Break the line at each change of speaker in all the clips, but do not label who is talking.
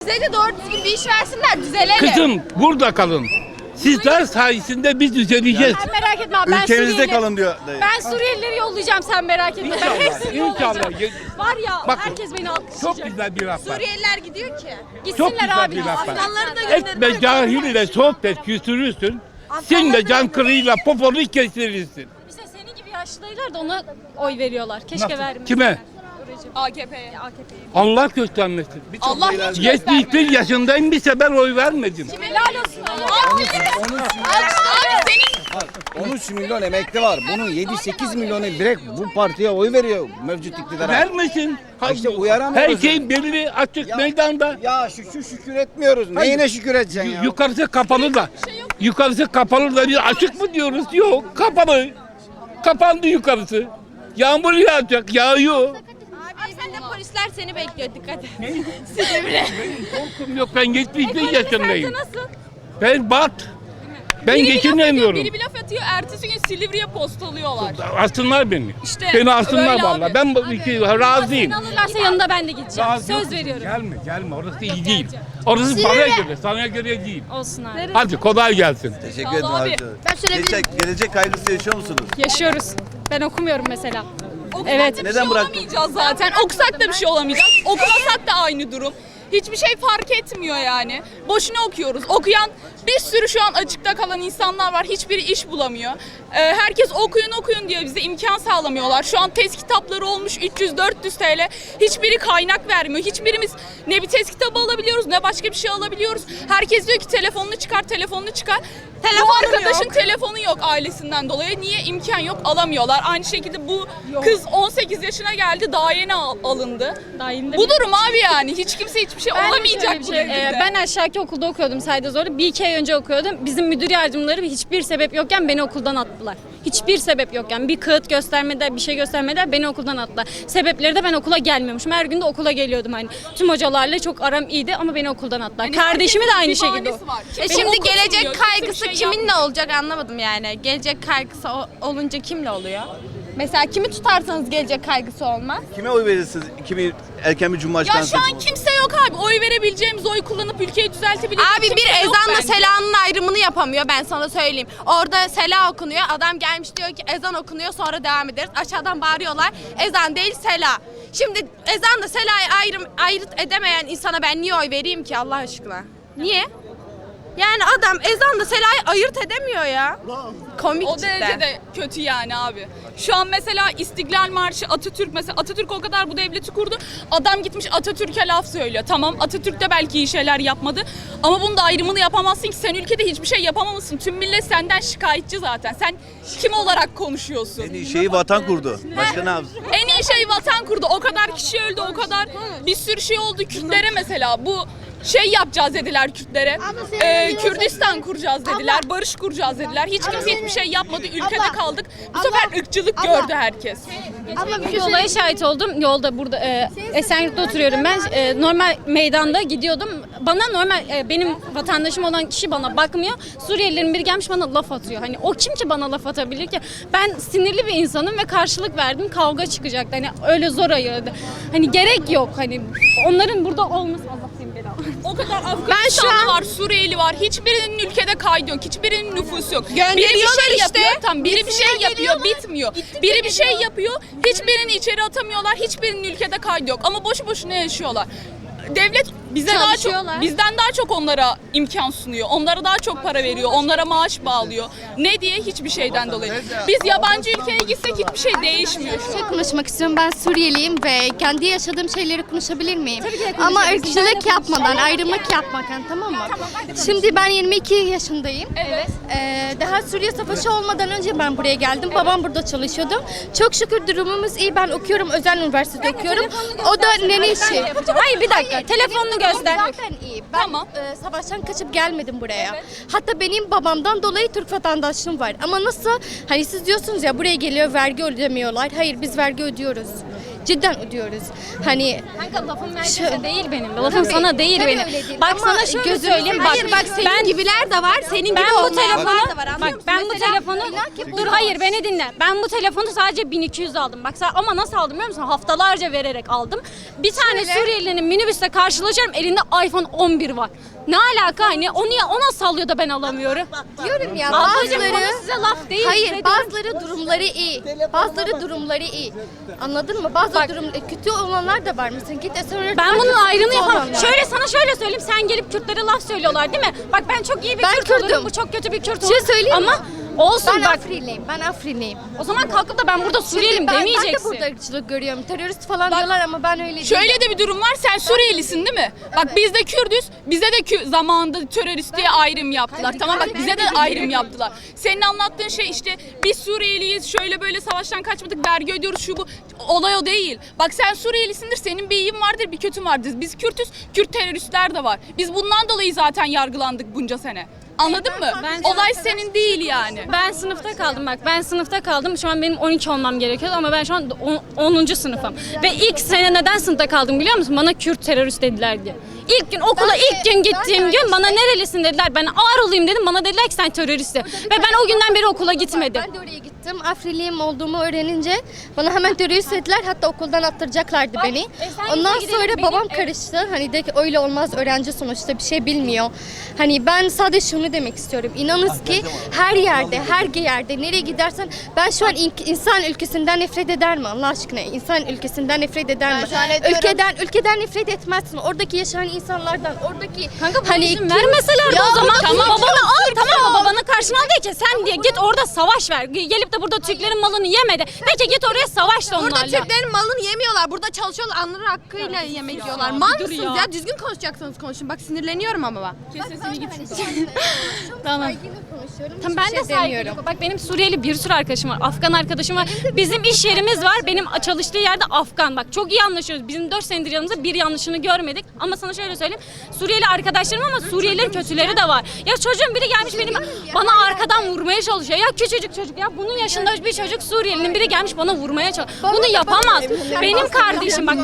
Bize de doğru düzgün bir iş versinler, düzelelim.
Kızım burada kalın. Sizler sayesinde biz düzeleceğiz.
Sen merak etme abi, ben
Ülkenizde kalın diyor.
Ben Suriyelileri yollayacağım, sen merak etme. Ben hepsini
İnşallah.
yollayacağım. Var ya,
Bakın,
herkes beni alkışlayacak.
Çok güzel bir laf var.
Suriyeliler gidiyor ki.
Çok
Gitsinler
güzel
abi.
bir laf var.
Afganları da gönderin.
Etme cahille sohbet küstürürsün. Sen de can kırığıyla poponu kestirirsin.
İşte senin gibi yaşlılar da ona oy veriyorlar. Keşke
Nasıl?
vermeseler.
Kime?
AKP'ye.
Allah göstermesin.
Allah hiç
71 yaşındayım bir sefer oy vermedim.
Helal olsun.
Abi senin
13 milyon emekli var. Bunun 7-8 milyonu direkt bu partiye oy veriyor mevcut iktidara.
Vermesin.
İşte uyaramıyoruz.
Her şey belli açık meydanda.
Ya şu şükür etmiyoruz. Neyine şükür edeceksin ya?
Yukarısı kapalı da. Yukarısı kapalı da biz açık mı diyoruz? Yok kapalı. Kapandı yukarısı. Yağmur yağacak, yağıyor.
Abi sen de polisler seni bekliyor, dikkat et.
Korkum yok, ben 71 yaşındayım.
Nasıl?
Ben bat. Ben geçinemiyorum.
Biri bir laf atıyor, ertesi gün Silivri'ye postalıyorlar.
Asınlar beni.
İşte
Beni asınlar
öyle
vallahi.
abi.
Ben razıyım.
Seni alırlarsa yanında ben de gideceğim.
Razıyım.
Söz veriyorum.
Gelme. Orası iyi değil. Orası bana göre, sana göre değil.
Olsun abi.
Hadi kolay gelsin.
Teşekkür
ederim abi.
Ben söyleyebilirim.
Gelecek kaygısı yaşıyor musunuz?
Yaşıyoruz. Ben okumuyorum mesela.
Okusak
Evet.
da bir
Neden
şey
bıraktın?
olamayacağız zaten. Okusak da bir şey olamayacağız. Okumasak da aynı durum. Hiçbir şey fark etmiyor yani. Boşuna okuyoruz. Okuyan bir sürü şu an açıkta kalan insanlar var. Hiçbiri iş bulamıyor. Herkes okuyun diye bize imkan sağlamıyorlar. Şu an test kitapları olmuş 300-400 TL. Hiçbiri kaynak vermiyor. Hiçbirimiz ne bir test kitabı alabiliyoruz ne başka bir şey alabiliyoruz. Herkes diyor ki telefonunu çıkar. Bu arkadaşın telefonu yok ailesinden dolayı. Niye? İmkan yok, alamıyorlar. Aynı şekilde bu kız 18 yaşına geldi, daha yeni alındı.
Daha yeni de
Bu durum abi yani. Hiç kimse hiçbir şey olamayacak bu devirde.
Ben aşağıki okulda okuyordum Saydazor'da. Bir iki ay önce okuyordum. Bizim müdür yardımcıları hiçbir sebep yokken beni okuldan attılar. Hiçbir sebep yokken. Bir kağıt göstermediler, bir şey göstermediler. Beni okuldan attılar. Sebepleri de ben okula gelmiyormuşum. Her gün de okula geliyordum hani. Tüm hocalarla çok aram iyiydi ama beni okuldan attılar.
Hani
Kardeşimi de aynı
herkesin bir
şekilde.
bahanesi var.
E
Kimse
şimdi
okutmuyor,
gelecek
kimse
kaygısı
bir şey
kiminle olacak anlamadım yani. Gelecek kaygısı olunca kimle oluyor? Mesela kimi tutarsanız gelecek kaygısı olmaz.
Kime oy verirsiniz? Erken bir cumhurbaşkanı
Ya şu an kimse yok abi. Oy verebileceğimiz, oy kullanıp ülkeyi düzeltebileceğimiz
Abi bir
kimse yok
ezanla
bence.
selanın ayrımını yapamıyor, ben sana söyleyeyim. Orada sela okunuyor, adam gelmiş diyor ki ezan okunuyor, sonra devam ederiz. Aşağıdan bağırıyorlar, ezan değil sela. Şimdi ezanla selayı ayırt edemeyen insana ben niye oy vereyim ki Allah aşkına? Niye? Yani adam ezanla selayı ayırt edemiyor ya. Komik
O
cidden.
derecede kötü yani abi. Şu an mesela İstiklal Marşı, Atatürk mesela Atatürk o kadar bu devleti kurdu. Adam gitmiş Atatürk'e laf söylüyor. Tamam Atatürk de belki iyi şeyler yapmadı. Ama bunun da ayrımını yapamazsın ki sen ülkede hiçbir şey yapamamışsın. Tüm millet senden şikayetçi zaten. Sen kim olarak konuşuyorsun?
En iyi şeyi vatan kurdu. Başka ne yapsın?
En iyi şey vatan kurdu. O kadar kişi öldü, o kadar bir sürü şey oldu. Kürtlere mesela bu şey yapacağız dediler Kürtlere. Kürdistan kuracağız dediler, barış kuracağız dediler. Hiç kimse hiçbir şey yapmadı. Ülkede kaldık. Bu sefer ırkçılık gördü herkes.
Bir olaya şahit oldum. Yolda burada Esenyurt'ta oturuyorum ben. Normal meydanda gidiyordum. Bana normal benim vatandaşım olan kişi bana bakmıyor. Suriyelilerin biri gelmiş bana laf atıyor. Hani o kim ki bana laf atabilir ki? Ben sinirli bir insanım ve karşılık verdim. Kavga çıkacaktı. Hani öyle zor ayırdı. Hani gerek yok. Hani onların burada olması Allah seni belanı.
O kadar Afganistanlı var, Suriyeli var. Hiçbirinin ülkede kaydı yok. Hiçbirinin nüfusu yok. Biri bir
Gönderiyorlar
şey
işte.
yapıyor, tam biri bir
Gitsinler
şey yapıyor,
geliyorlar.
bitmiyor. Biri bir şey yapıyor, hiçbirini içeri atamıyorlar. Hiçbirinin ülkede kaydı yok. Ama boşu boşuna yaşıyorlar. Devlet bizden daha çok onlara imkan sunuyor. Onlara daha çok para veriyor. Onlara maaş bağlıyor. Ne diye? Hiçbir şeyden dolayı. Biz yabancı ülkeye gitsek hiçbir şey değişmiyor şu an.
Konuşmak istiyorum. Ben Suriyeliyim ve kendi yaşadığım şeyleri konuşabilir miyim?
Tabii ki de
Ama
konuşabilirsin. Ben
ırkçılık
de
yapmadan, ayrımcılık yapmadan, tamam mı? Şimdi ben 22 yaşındayım.
Evet.
Daha Suriye Savaşı olmadan önce ben buraya geldim. Babam burada çalışıyordu. Çok şükür durumumuz iyi. Ben okuyorum, özel üniversitede okuyorum. O da nene işi.
Hayır bir dakika. Telefonunu göster.
Zaten iyi. Ben
Tamam.
savaştan kaçıp gelmedim buraya. Hatta benim babamdan dolayı Türk vatandaşlığım var. Ama nasıl? Hani siz diyorsunuz ya buraya geliyor vergi ödemiyorlar. Hayır biz vergi ödüyoruz. Cidden ödüyoruz. Hani
Kanka lafım
Şu-
neredeyse değil benim. Lafım
Tabii,
sana değil
tabii
benim.
öyle değil.
Bak
Ama
sana şöyle
gözünü
söyleyeyim.
seveyim.
Hayır bak senin gibiler de var. Senin
Ben
gibi
bu
olmayanlar
telefonu
da var. Anlıyor
bak
musun?
ben bu
Mesela
telefonu dur hayır beni dinle. Ben bu telefonu sadece 1200 aldım. Bak ama nasıl aldım biliyor musun? Haftalarca vererek aldım. Bir tane
Şöyle.
Suriyelinin minibüste karşılaşıyorum. Elinde iPhone 11 var. Ne alaka hani? O nasıl alıyor da ben alamıyorum?
diyorum ya
Ablacığım
bazıları
konu size laf değil.
hayır
size
bazıları durumları iyi. Bazıları durumları iyi. Anladın mı? Bazı kötü olanlar da var mesela. Git Esenler.
Ben bunun ayrımını
kötü
yapamam.
olanlar.
Şöyle sana şöyle söyleyeyim. Sen gelip Kürtlere laf söylüyorlar değil mi? Bak ben çok iyi bir
Ben
Kürt
Kürt'üm.
olurum. Bu çok kötü bir Kürt
Bir şey
olur.
söyleyeyim
Ama
mi?
olsun
Ben
bak.
Afrinliyim. Ben Afrinliyim.
O zaman kalkıp da ben burada Suriyeliyim
Ben de
demeyeceksin.
burada ırkçılık görüyorum. Terörist falan diyorlar ama ben öyle değilim.
Şöyle de bir durum var. Sen Suriyelisin değil mi? Bak biz de Kürdüz. Bize de zamanında terörist diye ayrım yaptılar. Tamam bak bize de ayrım yaptılar. Senin anlattığın şey işte biz Suriyeliyiz. Şöyle böyle savaştan kaçmadık. Vergi ödüyoruz şu bu. Olay o değil. Bak sen Suriyelisindir. Senin bir iyin vardır bir kötün vardır. Biz Kürtüz. Kürt teröristler de var. Biz bundan dolayı zaten yargılandık bunca sene. Anladın mı? Olay senin değil yani.
Ben sınıfta kaldım bak. Ben sınıfta kaldım. Şu an benim 12 olmam gerekiyordu ama ben şu an 10. sınıfım. Ve ilk sene neden sınıfta kaldım biliyor musun? Bana Kürt terörist dediler diye. İlk gün okula ilk gün gittiğim gün bana nerelisin dediler. Ben Ağrılıyım dedim. Bana dediler ki sen teröristsin. Ve ben o günden beri okula gitmedim.
Ben de oraya gittim. Afriliyim olduğumu öğrenince bana hemen terörist dediler. Hatta okuldan attıracaklardı beni.
sen
Ondan
gitme gidelim,
sonra babam
benim-
karıştı. Hani de ki öyle olmaz. Öğrenci sonuçta bir şey bilmiyor. Hani ben sadece şunu demek istiyorum. İnanız ki her yerde nereye gidersen ben şu an insan ülkesinden nefret eder mi Allah aşkına? İnsan ülkesinden nefret eder mi? Ülkeden nefret etmezsin. Oradaki yaşayan insanlardan, oradaki
Kanka
hani
izin vermeseler de o zaman babanı al tamam mı? Babanı karşına al de ki sen diye git orada savaş ver. Gelip de burada Türklerin malını yeme de. De ki git oraya savaş da onlarla.
Burada Türklerin malını yemiyorlar. Burada çalışıyorlar. Anları hakkıyla yemek yiyorlar. Mal mısınız ya? Düzgün konuşacaksanız konuşun. Bak sinirleniyorum ama bak.
Sesini git.
Tamam.
konuşuyorum.
Tamam
hiçbir
ben de
şey demiyorum.
saygı. Bak benim Suriyeli bir sürü arkadaşım var. Afgan arkadaşım var. Bizim iş yerimiz var. Benim çalıştığı yerde Afgan. Bak çok iyi anlaşıyoruz. Bizim 4 senedir yanımızda bir yanlışını görmedik. Ama sana şöyle söyleyeyim. Suriyeli arkadaşlarım ama Suriyelilerin kötüleri de var. Ya çocuğun biri gelmiş benim bana arkadan vurmaya çalışıyor. Ya küçücük çocuk ya bunun yaşında bir çocuk Suriyelinin biri gelmiş bana vurmaya çalışıyor. Bunu yapamaz. Benim kardeşim bak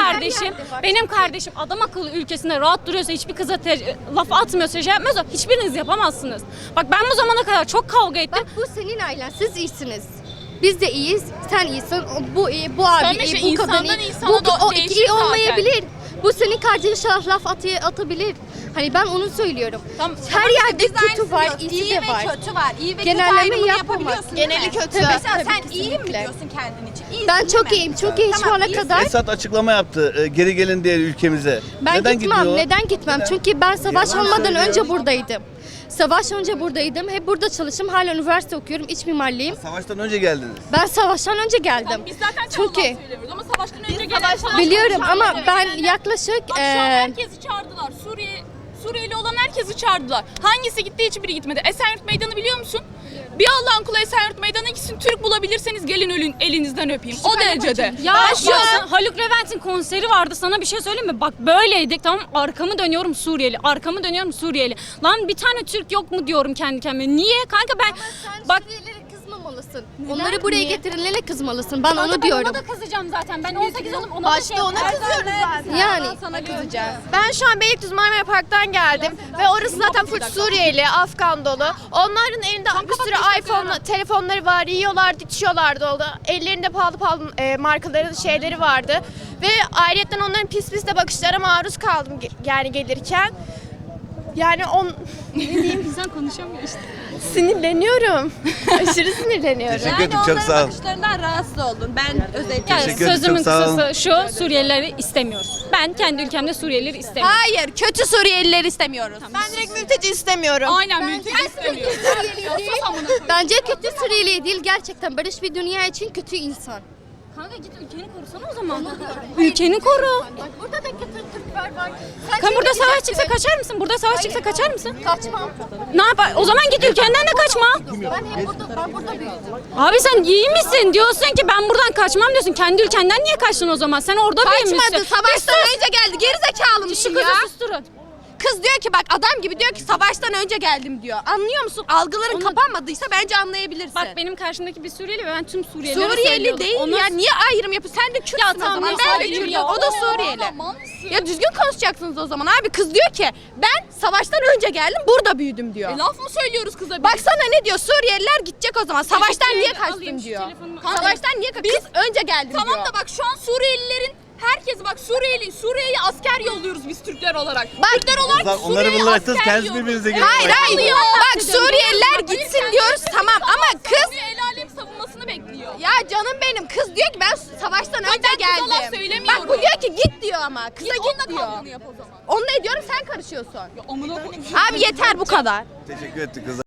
benim kardeşim adam akıllı ülkesinde rahat duruyorsa hiçbir kıza laf atmıyorsa şey yapmıyorsa hiçbiriniz yapamazsınız. Bak ben bu zamana kadar çok kavga ettim.
Bak bu senin ailen. Siz iyisiniz. Biz de iyiyiz. Sen iyisin. Bu iyi, bu abi
Sen
iyi,
mesela
bu kadın
insandan
iyi.
insana
Bu
da
o
değişir
iyi
zaten.
olmayabilir. Bu senin kardeşine laf atabilir. Hani ben onu söylüyorum.
Tamam,
Her yerde
Biz
kötü
aynısını
var,
diyoruz.
iyisi
İyi
de
ve
var.
kötü var. İyi ve
Genelleme
kötü ayrımını
yapamaz.
yapabiliyorsun.
Geneli
değil mi?
kötü.
Mesela
Tabii,
sen iyi mi
kesinlikle.
diyorsun kendin için? İyisin,
Ben
değil
çok
mi?
iyiyim. Çok iyi şu
Tamam,
ana
iyisin.
kadar.
Esad açıklama yaptı. Geri gelin diye ülkemize.
Ben
Neden
gitmem.
gidiyor?
Neden gitmem? Çünkü ben savaş olmadan önce buradaydım. Savaş önce buradaydım. Hep burada çalıştım. Hala üniversite okuyorum. İç mimarlıyım.
Savaştan önce geldiniz.
Ben savaştan önce geldim.
Biz zaten
Çünkü
söylemiyoruz ama savaştan önce gelen
biliyorum ama ben yaklaşık
Bak şu an herkesi çağırdılar. Suriyeli olan herkesi çağırdılar. Hangisi gitti hiçbiri gitmedi. Esenyurt Meydanı biliyor musun? Bir Allah'ın kulu Esenyurt Meydanı'na gitsin. Türk bulabilirseniz gelin ölün elinizden öpeyim. O derecede.
Ya
Ben
şu an Haluk Levent'in konseri vardı. Sana bir şey söyleyeyim mi? Bak böyleydik tamam arkamı dönüyorum Suriyeli. Arkamı dönüyorum Suriyeli. Lan bir tane Türk yok mu diyorum kendi kendime. Niye? Kanka ben bak
Suriyelilere kızmamalısın. Onları buraya getirenlere kızmalısın. Ben onu
ben
diyorum.
ona da kızacağım zaten. Ben 18 oldum ona da şey
kızıyoruz zaten.
Yani
Sana kızacağız.
Ben şu an Beylikdüzü Marmara Park'tan geldim ve orası zaten full Suriyeli, Afgan dolu. Onların elinde bir sürü iPhone telefonları var, yiyorlardı, içiyorlardı oldu. Ellerinde pahalı markaların şeyleri vardı. Ve ayrıca onların pis pis de bakışlara maruz kaldım yani gelirken. Yani
insan konuşamıyor işte.
sinirleniyorum. Aşırı sinirleniyorum.
Teşekkür ederim. Çok sağ olun.
bakışlarından rahatsız oldum. Ben özellikle.
Yani
Teşekkür ederim,
sözümün
çok sağ olun.
kısası şu Suriyelileri istemiyoruz. Ben kendi ülkemde Suriyelileri istemiyorum.
Hayır, kötü Suriyelileri istemiyoruz.
Ben direkt mülteci istemiyorum.
Aynen mülteci istemiyoruz.
bence kötü Suriyeli değil gerçekten barış bir dünya için kötü insan.
Kanka git ülkeni korusana o zaman. Ülkeni koru.
Bak burada da kötü Türkler var.
Kan burada savaş çıksa kaçar mısın? Burada savaş çıksa kaçar mısın?
Kaçmam.
Ne yapar? O zaman git ülkenden de kaçma.
Ben burada büyüdüm.
Abi sen iyi misin? Diyorsun ki ben buradan kaçmam diyorsun. Kendi ülkenden niye kaçtın o zaman? Sen orada büyümüşsün.
Kaçmadı. Savaştan önce geldi. Geri zekalı
Şu
mısın
kızı
ya?
susturun.
Kız diyor ki bak adam gibi diyor ki savaştan önce geldim diyor. Anlıyor musun? Algıların kapanmadıysa bence anlayabilirsin.
Bak benim karşımdaki bir Suriyeli ve ben tüm Suriyelileri
Suriyeli
söylüyorum.
değil
Ona-
ya. Niye ayrım yapıyorsun? Sen de Kürtsün
Ya
o
tamam,
zaman.
ya
Ben de
sadece
Kürt'üm.
ya.
O da Suriyeli. Ya düzgün konuşacaksınız o zaman abi. Kız diyor ki ben savaştan önce geldim burada büyüdüm diyor.
Laf mı söylüyoruz kıza?
Baksana ne diyor? Suriyeliler gidecek o zaman. Savaştan niye
Alayım
kaçtın
şu
diyor.
telefonumu.
Savaştan niye kaçtın? Kız önce geldim diyor.
Tamam da bak şu an Suriyelilerin herkesi bak Suriye'ye asker yolluyoruz biz Türkler olarak. Türkler olarak
Onları
Suriye'ye
bıraktınız,
asker
kendiniz
yolluyoruz.
birbirinize girin.
Hayır hayır. Bak Suriyeliler gitsin diyoruz tamam ama kız
Bir el alem savunmasını bekliyor.
ya canım benim kız diyor ki ben savaştan önce
ben kıza
geldim.
laf söylemiyorum.
Bak bu diyor ki git diyor ama. Kıza
Git onunla
git diyor.
kavganı yap o zaman.
Onu ne diyorum sen karışıyorsun.
Amına koyayım.
Abi yeter bu kadar.
Teşekkür ettik kızlar.